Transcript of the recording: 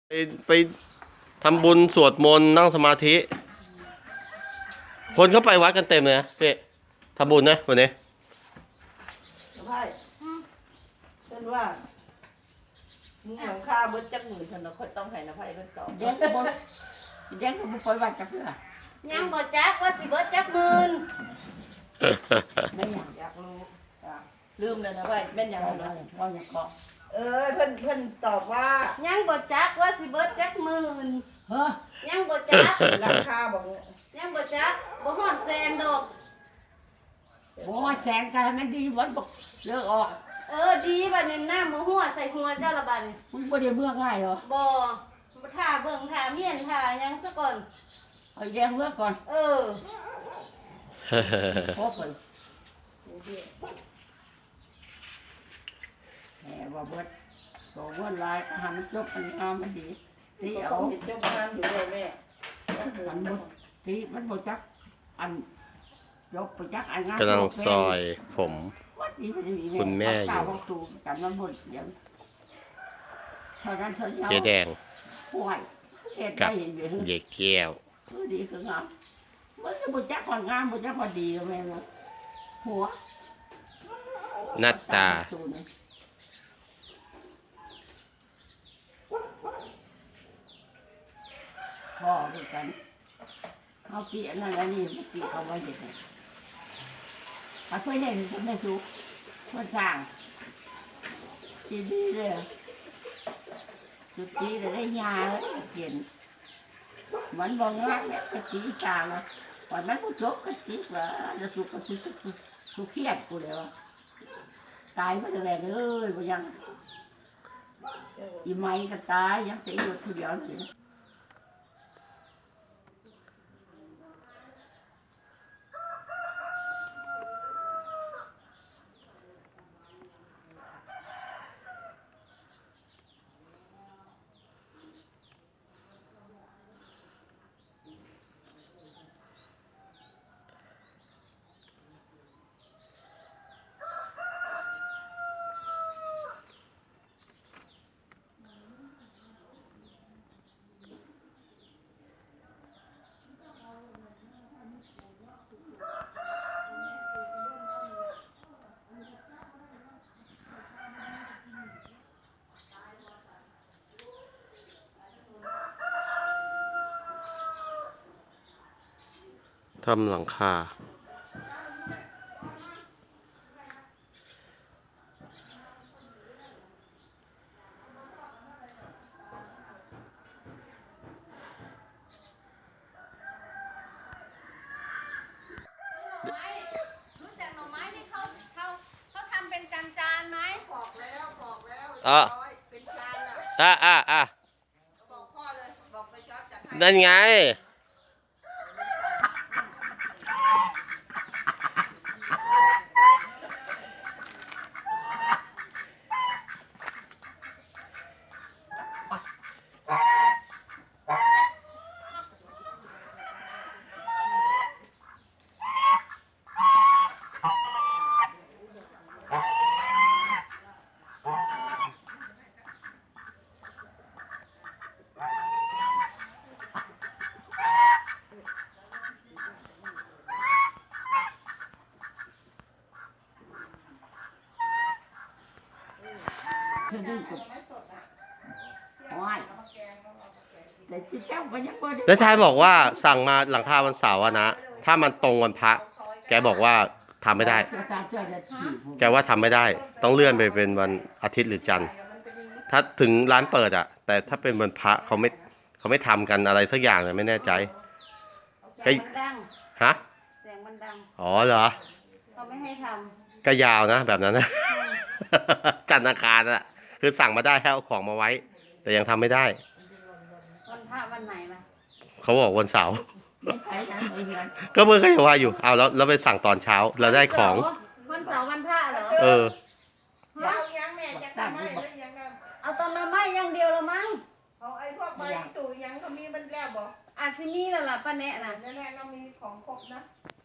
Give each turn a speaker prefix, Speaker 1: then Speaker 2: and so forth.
Speaker 1: ไปทำบุญสวดมนต์นั่งสมาธิ คนเข้าไปวัดกันเต็มเลยนะเป๊ะทำบุญนะวันนี้
Speaker 2: ใช่เช่นว่ามึงหลังคาเบิดจักหมื่นฉันเราค่อยต้องให้นะไพ่เพิ่นตอบ
Speaker 3: เด็กบ่เด็กบ่ปล่อยวัดจักเทื่อ
Speaker 4: ยังบ่จักว่าสิเบิดจักหมื่น
Speaker 3: ไม่
Speaker 2: อยากรู้ลืมเลยนะไพ่แม่นยังไงนะ
Speaker 3: ว่าอย่างเกาะ
Speaker 2: เพิ่นตอบว่า
Speaker 4: ยังบ่จักว่าสิเบิดจักหมื่น
Speaker 3: เฮ้อ
Speaker 4: ยังบ่จัก
Speaker 2: หลังคาบอก
Speaker 4: ยังบ่จักบ่ฮอดแสนดอก
Speaker 3: บ่แสงใส่มันดีบ่บ่เลิกออก
Speaker 4: ดีบัดนี้น้ำบ่หัวใส่หัวเจ้าละบัดนี้
Speaker 3: มึงบ่ได้เบื่อง่ายเหรอ
Speaker 4: บ่ท่าเบิ่งท่าเมียนท่ายังซะก่อน
Speaker 3: เอาแยงเบื่อก่อนพบเลยแหมว่าเบิดตัวเบิดลายทำมันจบมันงามมันดีตีเอา
Speaker 2: จบงามอยู่เลยแม่
Speaker 3: มันบ่ตีมันบ่จักอันยกไปจักอันงาม
Speaker 1: กำลังซอยผมคุณแม่อยู่
Speaker 3: กันมันหมดอย่างเท่านั้นเท่านี้
Speaker 1: เจ๊แดง
Speaker 3: ป่วย
Speaker 1: กับเด็กแก้ว
Speaker 3: ดีคืองามมันจะบ่จักความงามบ่จักความดีแม่นะหัว
Speaker 1: หน้าตา
Speaker 3: พ่อด้วยกันเอาปีนั่นแล้วนี่ปีเอาไว้เด็กเขาเคยเห็นคุณแม่ชูคนสร้างดีเลยจุดดีเลยได้ยาเลยเขียนมันบอกงานเนี่ยกะจีสร้างเลยวันนั้นกูจบกะจีว่าจะสุกะจีสุเครียดกูเลยวะตายไม่ได้แรงเลยบ่ยังอีไม้ก็ตายยังจะอยู่ทีเดียวสิ
Speaker 1: ทำหลังคา
Speaker 4: รู้จักหน่อไม้ที่เขาทำเป็นจานไหม
Speaker 2: บอกแล้วเป็นจานบอกพ่อเลยบอกไปจอดจัดให้
Speaker 1: นั่นไง
Speaker 3: เธอดึงกับว้ายแต่ที่เจ้าก็ยังบ่ได้
Speaker 1: แล้วชายบอกว่าสั่งมาหลังคาวันเสาร์นะถ้ามันตรงวันพระแกบอกว่าทำไม่ได้แกว่าทำไม่ได้ต้องเลื่อนไปเป็นวันอาทิตย์หรือจันทร์ถ้าถึงร้านเปิดอ่ะแต่ถ้าเป็นวันพระเขาไม่ทำกันอะไรสักอย่างเลยไม่แน่ใจ
Speaker 4: แสงมันดัง
Speaker 1: ฮะ
Speaker 4: แสงมันดัง
Speaker 1: อ๋อเหรอ
Speaker 4: เขาไม่ให้ท
Speaker 1: ำก็ยาวนะแบบนั้นนะจันทร์อังคารอ่ะคือสั่งมาได้ให้เอาของมาไว้แต่ยังทำไม่ได้
Speaker 4: วันพระวันไหนล่ะ
Speaker 1: เขาบอกวันเสาร์ก็เมื่อกี้ว่าอยู่เอาแล้วไปสั่งตอนเช้าเราได้ของ
Speaker 4: วันเสาร์วันพระเหรอ
Speaker 2: เอายังแม่จะทำให้หรือยัง
Speaker 4: เอาตอนน้ำไม้อย่างเดียวละมั้ง
Speaker 2: เอาไอ้พวกใบตู่ยังเขามีมันแล้วบอก
Speaker 4: อาจสิมีแล้วล่ะป้าแนะน่ะ
Speaker 2: แน่ๆเรามีของครบนะ